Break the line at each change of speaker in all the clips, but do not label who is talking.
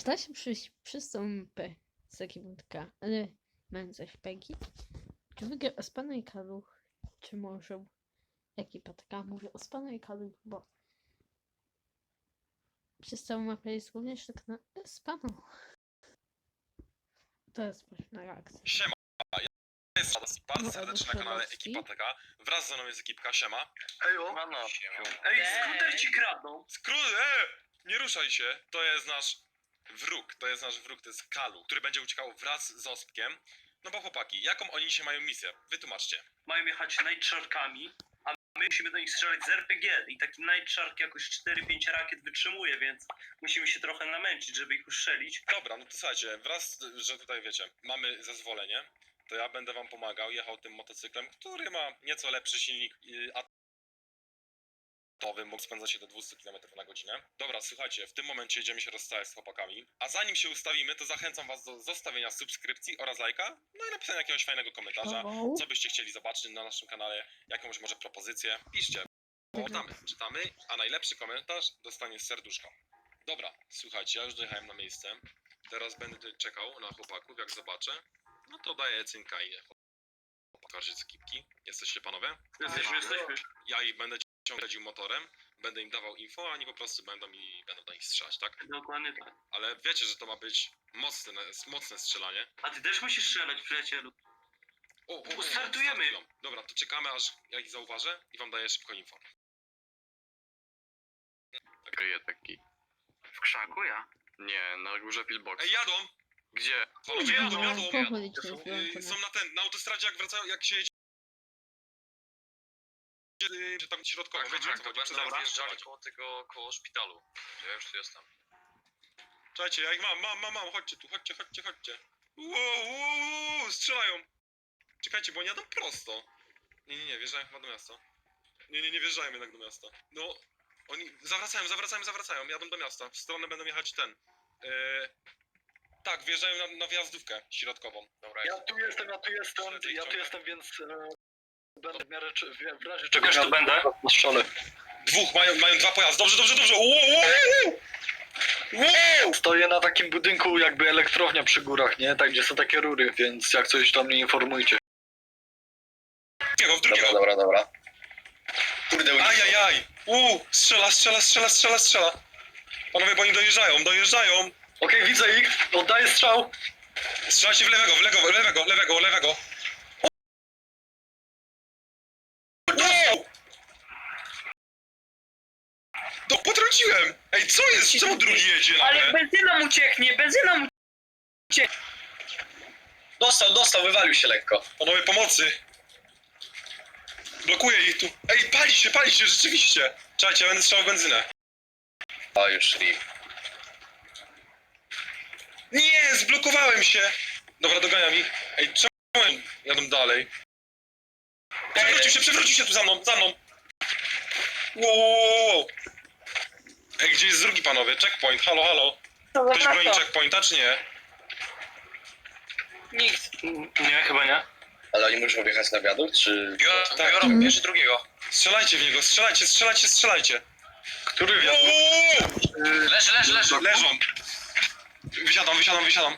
Czy da się przystąpy z ekipka, ale mam coś Peggy? Czy wygra Ospano i Kaluch? Czy może ekipa taka? Mówię Ospano i Kaluch, bo przez całą mapę jest również tak na Ospano. To jest pośrednia reakcja.
Siema, ja jestem bardzo serdecznie na kanale Ekipa TK. Wraz ze mną jest ekipka, siema.
Ejo. Ej, skuter ci kradną.
Nie ruszaj się, to jest nasz wróg, to jest Kalu, który będzie uciekał wraz z Ospkiem. No bo chłopaki, jaką oni dzisiaj mają misję? Wytłumaczcie.
Mają jechać Night Sharkami, a my musimy do nich strzelać z RPG. I taki Night Shark jakoś 4-5 rakiet wytrzymuje, więc musimy się trochę namęczyć, żeby ich ustrzelić.
Dobra, no to słuchajcie, wraz, że tutaj wiecie, mamy zezwolenie, to ja będę wam pomagał, jechał tym motocyklem, który ma nieco lepszy silnik atomowy, mógł spędzać się do 200 km na godzinę. Dobra, słuchajcie, w tym momencie idziemy się rozstać z chłopakami, a zanim się ustawimy, to zachęcam was do zostawienia subskrypcji oraz lajka, no i napisania jakiegoś fajnego komentarza, co byście chcieli zobaczyć na naszym kanale, jakąś może propozycję, piszcie. Czytamy, a najlepszy komentarz dostanie serduszko. Dobra, słuchajcie, ja już dojechałem na miejsce. Teraz będę czekał na chłopaków, jak zobaczę. No to daję cynka i pokażę z ekipki. Jesteście panowie?
Jesteśmy.
Ja ich będę ciągnął motorem, będę im dawał info, a oni po prostu będą do nich strzelać, tak?
Dokładnie tak.
Ale wiecie, że to ma być mocne strzelanie.
A ty też musisz strzelać, przyjacielu. Startujemy.
Dobra, to czekamy, aż ja ich zauważę i wam daję szybko info.
Kryje taki.
W krzaku ja?
Nie, na górze pillbox.
Ej, jadą!
Gdzie?
Panowie, jadą!
Są
Są na autostradzie, jak wracają, jak się jedzie... Że tam środkowo, wiecie, jak to chodzi,
będą wjeżdżali koło szpitalu. Ja już tu jestem.
Czekajcie, ja ich mam, chodźcie tu, chodźcie. Wow, strzelają! Czekajcie, bo oni jadą prosto. Nie, wjeżdżają chyba do miasta. Nie wjeżdżają jednak do miasta. No, oni zawracają, jadą do miasta. W stronę będą jechać tak, wjeżdżają na wjazdówkę środkową. Dobra,
Ja tu jestem, więc będę w miarę w razie
Czego tu będę?
na strzale.
Dwóch, mają dwa pojazdy, dobrze. Wow!
Stoję na takim budynku jakby elektrownia przy górach, nie? Tak, gdzie są takie rury, więc jak coś tam mnie informujcie.
W drugiego.
Dobra. Kurde,
Ajajaj! Strzela! Panowie, bo oni dojeżdżają!
Okej, widzę ich, oddaję strzał.
Strzelajcie w lewego! Wow! No, potrąciłem! Ej, co jest? Czemu drugi jedzie
Ale
nagle?
benzyna mu ucieknie,
Dostał, wywalił się lekko.
Panowie, pomocy! Blokuję ich tu. Ej, pali się, rzeczywiście! Czekajcie, ja będę strzelał benzynę.
O, już szli.
Nie, zblokowałem się! Dobra, doganiam ich. Ej, czemu jadą dalej? Przewrócił się tu za mną! Wow! Ej, gdzie jest drugi, panowie? Checkpoint, halo? Ktoś broni checkpointa, czy nie?
Nikt. Nie, chyba nie.
Ale oni muszą wjechać na wiadukt, czy...
Tak.
Bierze drugiego.
Strzelajcie w niego, strzelajcie!
Który wiadukt?
Leży.
Leżą! Wysiadam.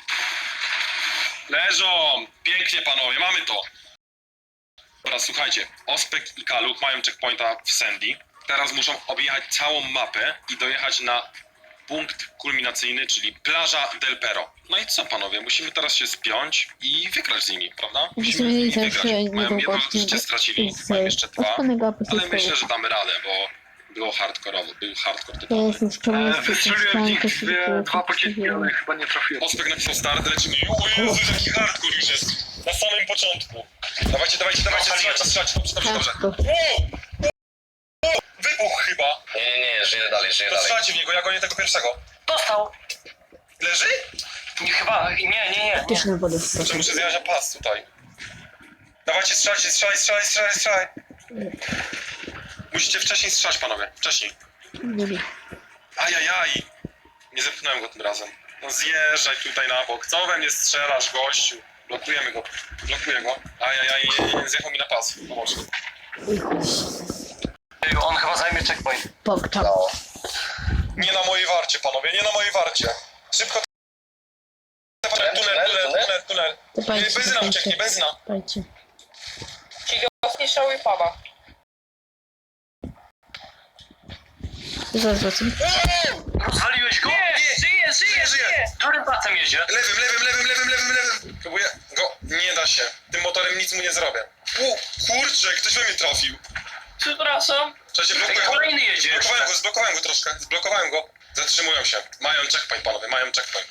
Leżą! Pięknie, panowie, mamy to! Dobra, słuchajcie, Ospek i Kaluch mają checkpointa w Sandy. Teraz muszą objechać całą mapę i dojechać na punkt kulminacyjny, czyli plaża Del Perro. No i co, panowie, musimy teraz się spiąć i wygrać z nimi, prawda? Musimy z nimi wygrać. Mają jedno życie stracili, mają jeszcze dwa, ale myślę, że damy radę, bo było hardkorowo, był hardcore typowy.
Wystrzeliłem w nich dwa pociski, ale chyba nie trafiłem.
Ospek napisał start, lecimy. O Jezu, jaki hardcore już jest. Na samym początku. Dawajcie, strzelajcie, dobrze. Wow! Wybuch chyba.
Nie, żyję dalej.
To strzelajcie w niego, ja gonię tego pierwszego.
Dostał.
Leży?
Chyba, nie.
Że muszę zjechać na pas tutaj. Dawajcie, strzelaj. Musicie wcześniej strzelać, panowie. Wcześniej. Ajajaj. Nie zepchnąłem go tym razem. No zjeżdżaj tutaj na bok. Co we mnie strzelasz, gościu? Blokuję go. Ajajaj, zjechał mi na pas. Pomóż.
On chyba zajmie checkpoint.
Nie na mojej warcie, panowie, nie na mojej warcie. Szybko. Tunel.
To patrzcie,
Benzyna ucieknie, benzyna.
patrzcie.
Zniszczały paba.
Zaraz wracam.
Rozwaliłeś go?
Nie, żyje!
Którym pasem jedzie?
Lewym. Próbuję go. Nie da się. Tym motorem nic mu nie zrobię. Kurczę, ktoś we mnie trafił.
Przepraszam.
Cześć,
Ej, kolejny jedzie.
zblokowałem go troszkę. Zblokowałem go. Zatrzymują się. Mają checkpoint, panowie, mają checkpoint.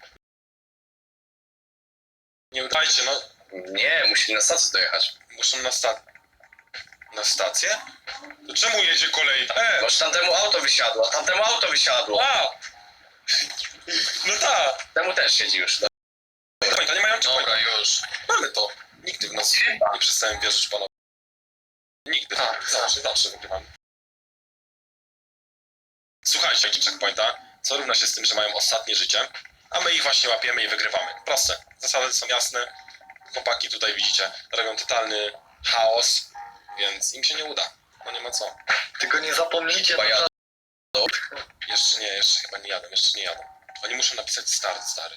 Nie udajcie, no.
Nie, musi na stację dojechać.
Muszą na stację? To czemu jedzie kolej?
Może tamtemu auto wysiadło.
A! No tak.
Temu też siedzi już.
To nie mają checkpointa.
Dobra, już.
Mamy to. Nigdy w nas nie przestałem wierzyć, panowie. Nigdy. Zawsze wygrywamy. Słuchajcie, jaki checkpointa, co równa się z tym, że mają ostatnie życie, a my ich właśnie łapiemy i wygrywamy. Proste. Zasady są jasne. Chłopaki tutaj widzicie, robią totalny chaos, więc im się nie uda. No nie ma co.
Tylko nie zapomnijcie,
Chyba jadą.
Jeszcze chyba nie jadą, jeszcze nie jadą. Oni muszą napisać stary.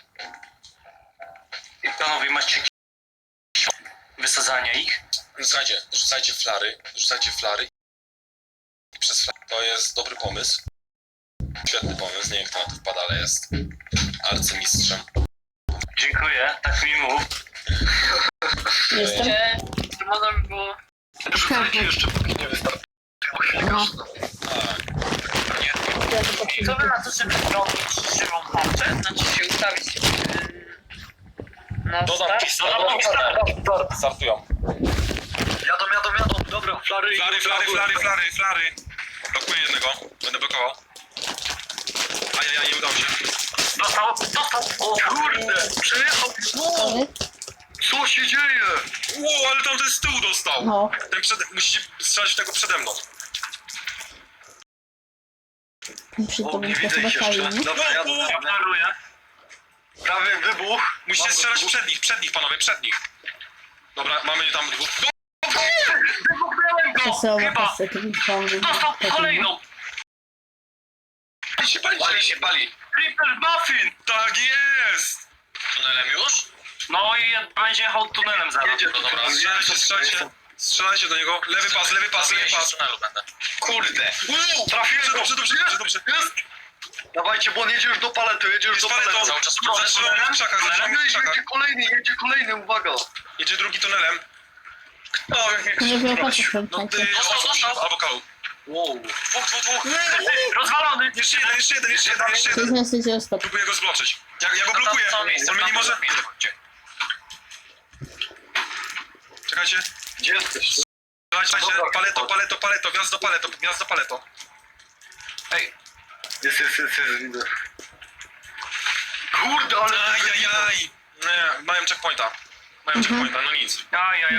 I panowie, macie wysadzania ich?
No słuchajcie, rzucajcie flary i przez flary. To jest dobry pomysł. Świetny pomysł, nie wiem kto na to wpada, ale jest arcymistrzem.
Dziękuję, tak mi mów.
Jestem.
To można by było...
rzucajcie jeszcze póki nie wystarczy.
No.
Co by na to, żeby zrobić żywą tarczę? Znaczy się ustawić... na
Dodam
start?
Startują.
Jadą. Dobra, flary.
Flary. Blokuję jednego. Będę blokował. Ajajaj, nie udało się.
Dostał!
O kurde, przejechał.
Ale?
Co się dzieje?
Wow, ale tamten z tyłu dostał.
No.
Musicie strzelać w tego przede mną.
Przy
O,
tobie
nie
to
widzę
chyba
ich
fajnie,
jeszcze.
nie?
Dobra, jadę.
Ignoruję.
Prawie wybuch.
Musicie
Mam go
strzelać
tu.
przed nich, panowie, przed nich. Dobra, mamy tam dwóch.
Wybuchnąłem go!
Wesoła
Chyba!
kaseta, wygląda.
Dostał kolejną!
Pali.
Triple Muffin!
Tak jest!
Tunelem już?
No i będzie jechał tunelem zaraz.
Jedzie
No dobra,
Strzelajcie do niego. Lewy pas.
Z tunelu będę. Kurde.
Trafiłem, dobrze.
Jest! Dawajcie, bo on jedzie już do paletu,
Jest paleto.
Cały czas
Zatrzymamy w krzakach.
Jedzie kolejny, uwaga.
Jedzie drugi tunelem.
Żeby opłacać
No
pamiętajcie.
albo kał.
Wow.
Dwóch.
Rozwalony!
Jeszcze jeden.
To jest na sycie ostatni.
Próbuję go zbloczyć. Ja go blokuję. On mnie nie może... Czekajcie.
Gdzie jesteś?
Strzelajcie. Paleto. Wjazd do paleto.
Jest, widzę. Kurde, ale...
Ajajaj. Nie, mają checkpointa, no nic.
Ajajaj.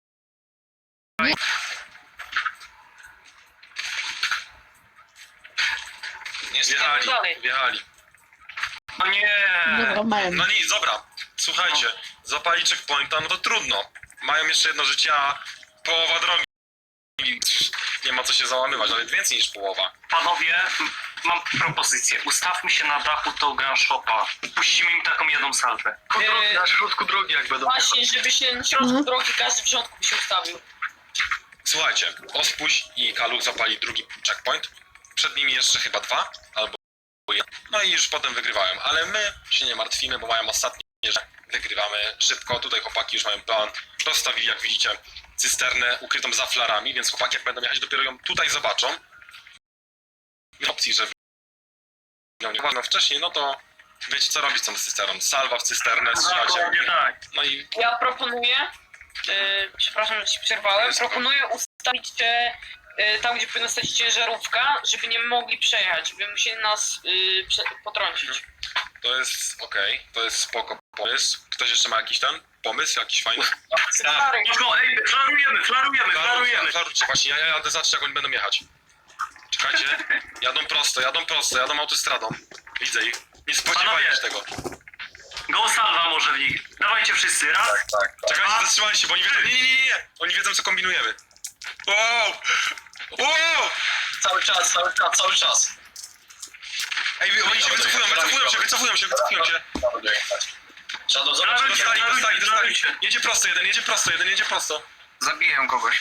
Wjechali.
No nie!
Dobra, mają.
No nic, dobra. Słuchajcie, zapali checkpointa, no to trudno. Mają jeszcze jedno życie, a połowa drogi. Nie ma co się załamywać, ale więcej niż połowa.
Panowie, mam propozycję. Ustawmy się na dachu do gun shopa. Puścimy im taką jedną salwę.
Na środku drogi jak będą jechać.
Właśnie, żeby się na środku drogi każdy w rządku by się ustawił.
Słuchajcie, Ospuś i Kaluch zapali drugi checkpoint. Przed nimi jeszcze chyba 2 albo 1. No i już potem wygrywałem, ale my się nie martwimy, bo mają ostatnie, że wygrywamy szybko. Tutaj chłopaki już mają plan. Rozstawili, jak widzicie, cysternę ukrytą za flarami, więc chłopaki jak będą jechać, dopiero ją tutaj zobaczą. W opcji, że ją nie ładno wcześniej, no to wiecie co robić z tą cysterną. Salwa w cysternę, strzelacie.
Dokładnie tak.
No i
Ja proponuję, przepraszam, że ci przerwałem, proponuję ustawić te, tam gdzie powinna stać ciężarówka, żeby nie mogli przejechać, żeby musieli nas potrącić.
to jest okej, to jest spoko pomysł. Ktoś jeszcze ma jakiś ten pomysł, jakiś fajny?
Stary,
No, ej, flarujemy.
Klarujcie, właśnie, ja jadę zobaczyć jak oni będą jechać. Czekajcie, jadą prosto, jadą autostradą. Widzę ich, nie spodziewajcie się tego.
Go salwa może w nich. Dawajcie wszyscy, raz.
Tak.
Czekajcie, zatrzymajcie się, bo oni wiedzą, nie. Oni wiedzą co kombinujemy. Wow!
Cały czas.
Ej, oni się wycofują się.
Shadow, zobacz,
Dostali. Jedzie prosto jeden, jedzie prosto.
Zabiję kogoś.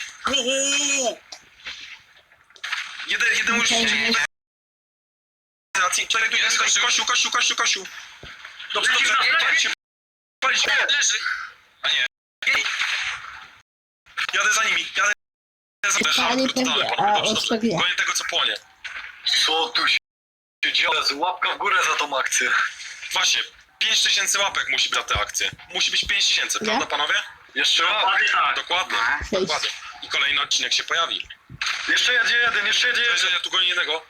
Jeden już
Okej,
idzie.
jest.
Czekaj, tu jest Kościół. Dobrze. Palić się.
Leży. A nie.
Jadę za nimi.
Pali pewnie, a odstawię.
Gonię tego, co płonie.
Co tu się dzieje? Łapka w górę za tą akcję.
Właśnie, 5000 łapek musi być za tę akcję. Musi być 5000,
Ja?
prawda panowie?
Jeszcze raz.
Dokładnie tak.
Dokładnie.
6.
I kolejny odcinek się pojawi.
Jeszcze jedzie jeden.
Cześć, ja tu gonię jednego.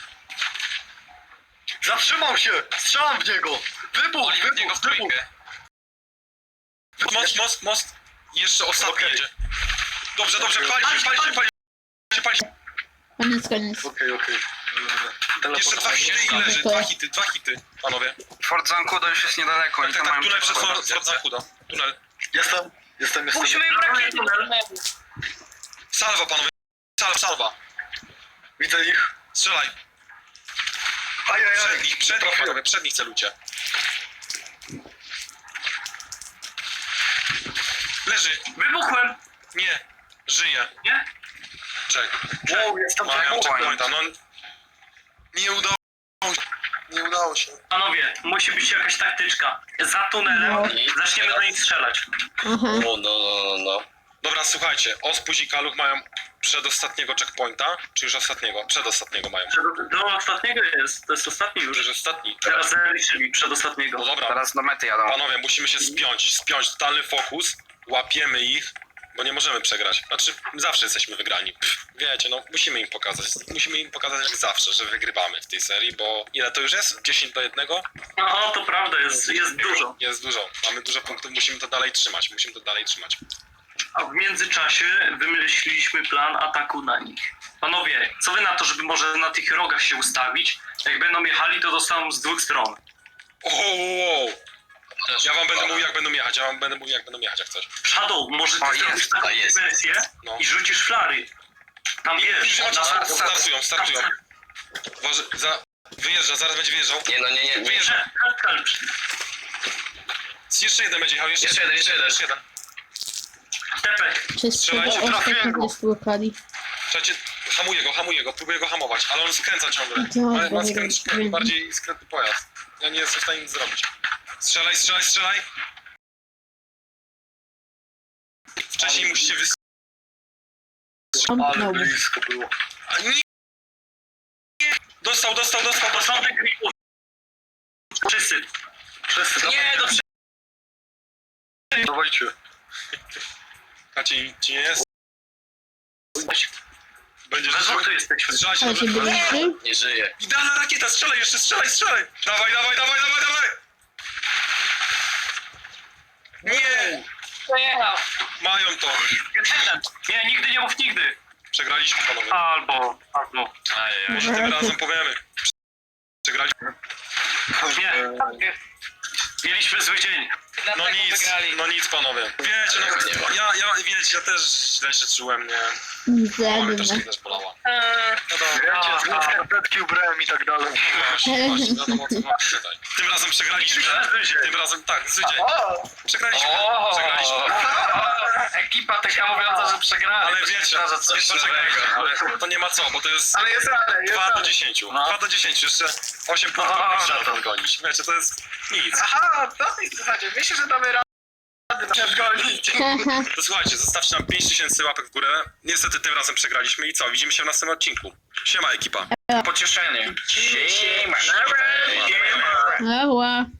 Zatrzymał się! Strzelam w niego! Wybuch!
Oli w niego w trójkę.
Most. Jeszcze ostatni
Okej.
jedzie. Dobrze, pali się.
Koniec.
Okej.
Jeszcze 2 hity i leży. 2 hity, panowie.
Fort Zancudo już jest niedaleko. oni tam mają
Tunel przez
przykład.
Fort Zancudo. Tunel.
Jestem.
Musimy im rakiety do tunelu.
Salwa, panowie. Salwa.
Widzę ich.
Strzelaj.
Ajajaj.
Przed nich, panowie. Przed nich celujcie. Leży.
Wybuchłem!
Nie. Żyje.
Nie?
Czekaj.
Wow, jestem
Mają
tak.
checkpointa, no. Nie udało się.
Panowie, musi być jakaś taktyczka. Za tunelem
No.
zaczniemy do nich strzelać.
Aha.
No.
Dobra, słuchajcie. Ospóź i Kaluch mają przedostatniego checkpointa, czy już ostatniego? Przedostatniego mają.
Do ostatniego jest, to jest ostatni już.
Już ostatni.
Teraz zaliczyli
No
przedostatniego.
dobra,
Teraz do mety jadą.
panowie, musimy się spiąć, totalny fokus, łapiemy ich, bo nie możemy przegrać. Znaczy, zawsze jesteśmy wygrani. Wiecie, no, musimy im pokazać jak zawsze, że wygrywamy w tej serii, bo ile to już jest? 10-1?
No to prawda, jest dużo.
Jest dużo, mamy dużo punktów, musimy to dalej trzymać.
A w międzyczasie wymyśliliśmy plan ataku na nich. Panowie, co wy na to, żeby może na tych rogach się ustawić? Jak będą jechali, to dostaną z 2 stron.
Ja wam będę mówił jak będą jechać, jak coś.
Shadow, może ty
O,
zrobisz
jest,
taką
jest.
wersję
No.
i rzucisz flary. Tam wiesz,
Startują. Wyjeżdża, zaraz będzie wyjeżdżał.
Nie.
Wyjeżdża. Jeszcze jeden będzie jechał, jeszcze jeden.
Tepek.
Wszystko
Strzelajcie,
trafiłem go.
ostatnio spłukali.
Słuchajcie, hamuję go, próbuję go hamować, ale on skręca ciągle.
Dobra,
Ma
wiem.
bardziej skrętny pojazd. Ja nie jestem w stanie nic zrobić. Strzelaj! Wcześniej musicie
Ale
Zamknął.
blisko było.
A nie! Dostał!
Posądek gripów. Wszyscy.
Nie, do
Dawajcie.
A ci nie jest? Będziesz
We dwóch tu jesteśmy.
strzelać
Ale się
dobrze.
byliście?
Nie żyje.
Idealna rakieta, strzelaj! Dawaj! Nie!
Pojechał.
Mają to.
Nie, nigdy nie mów nigdy.
Przegraliśmy, panowie.
Albo.
Może tym razem powiemy. Przegraliśmy.
Nie. Mieliśmy zły dzień.
No
Dlatego wygrali.
nic, panowie. Wiecie, ja też źle się czułem, nie? Mama mnie
Zjadłem.
też bolała.
Wiecie, znów skarpetki ubrałem i tak dalej.
Właśnie, wiadomo co chodzi tutaj. Tym razem przegraliśmy. Tym razem, tak, zły dzień. Przegraliśmy.
Ekipa taka mówiąca, że przegrała.
Ale wiecie, ale to nie ma co, bo to jest
Ale jest rada,
2 do 10. 2 do 10, jeszcze 8 punktów trzeba to odgonić. Wiecie, to jest nic.
Aha, to w zasadzie. Myślę, że damy radę nadgonić.
Haha.
To słuchajcie, zostawcie nam 5000 łapek w górę. Niestety tym razem przegraliśmy i co? Widzimy się w następnym odcinku. Siema ekipa.
Pocieszenie. Siema.
Ała.